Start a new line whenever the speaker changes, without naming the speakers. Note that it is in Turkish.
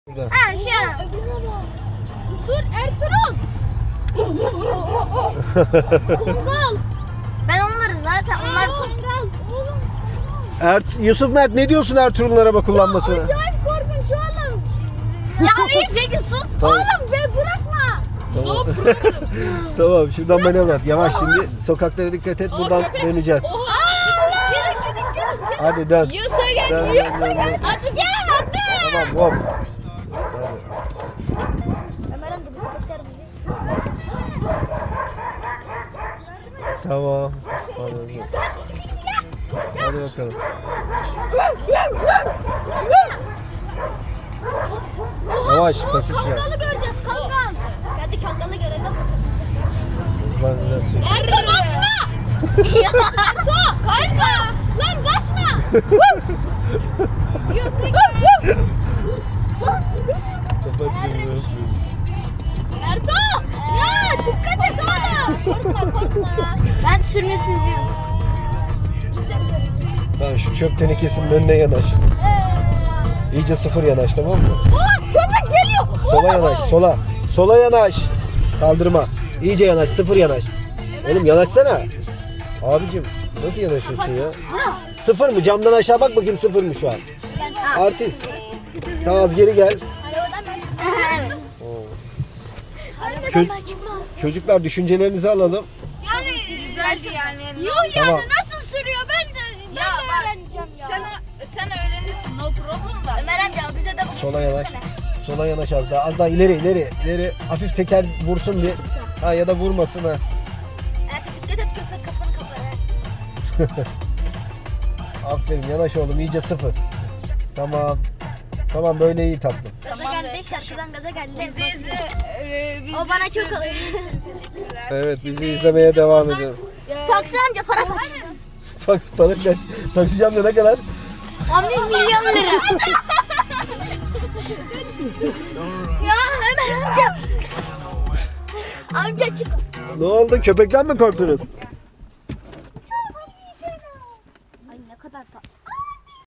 Burada.
Ha şu. Dur Ertuğrul. Kumral. Ben onları zaten onlar kumral.
Yusuf Mert ne diyorsun Ertuğrul'un araba kullanmasına?
Acayip korkunç oğlum. Ya iyi peki sus.
Tamam.
Oğlum be bırakma.
Tamam. Tamam şuradan manevra at. Yavaş şimdi sokaklara dikkat et buradan döneceğiz. Hadi dön.
Yiyorsa gel,
Dön,
yiyorsa
dön,
gel.
dön.
Hadi gel hadi.
Tamam hop. Tamam. Hadi bakalım. Yavaş kasis ver.
Kangalı göreceğiz kangal. Hadi kangalı görelim.
Hızlan biraz sür.
Ertuğ basma. Ertuğ kayma. Lan basma. Yiyorsa gel.
Kapat gözünü.
Ertuğ! Ya dikkat et oğlum. Korkma korkma. Ben sürmesini diyorum.
Tamam şu çöp tenekesinin önüne yanaş. İyice sıfır yanaş tamam mı?
Aa köpek geliyor.
Sola yanaş sola. Sola yanaş. Kaldırma. İyice yanaş sıfır yanaş. Oğlum yanaşsana. Abicim nasıl yanaşıyorsun ya? Sıfır mı? Camdan aşağı bak bakayım sıfır mı şu an? Artist. Daha az geri gel. Çocuklar düşüncelerinizi alalım.
Yani güzeldi yani. Yok yani
Tamam.
nasıl sürüyor ben de öğreneceğim ya.
Sen öğrenirsin, no problem da.
Ömer amca bize de bu.
Sola yanaş. Sola yanaş az daha. Az daha ileri. Hafif teker vursun bir. Ha ya da vurmasın ha.
Dikkat et köpek kafanı kapar.
Aferin yanaş oğlum iyice sıfır. Tamam. Tamam böyle iyi tatlım.
Gaza geldik şarkıdan gaza geldik.
Bizi
O bana çok alıyor.
teşekkürler.
Evet bizi izlemeye devam edin.
Taksi amca para kaç?
Bak para kaç. Taşıyacağım da ne kadar?
10 milyon lira. Ya Ömer amca. Amca çık.
Ne oldu? Köpekten mi korktunuz?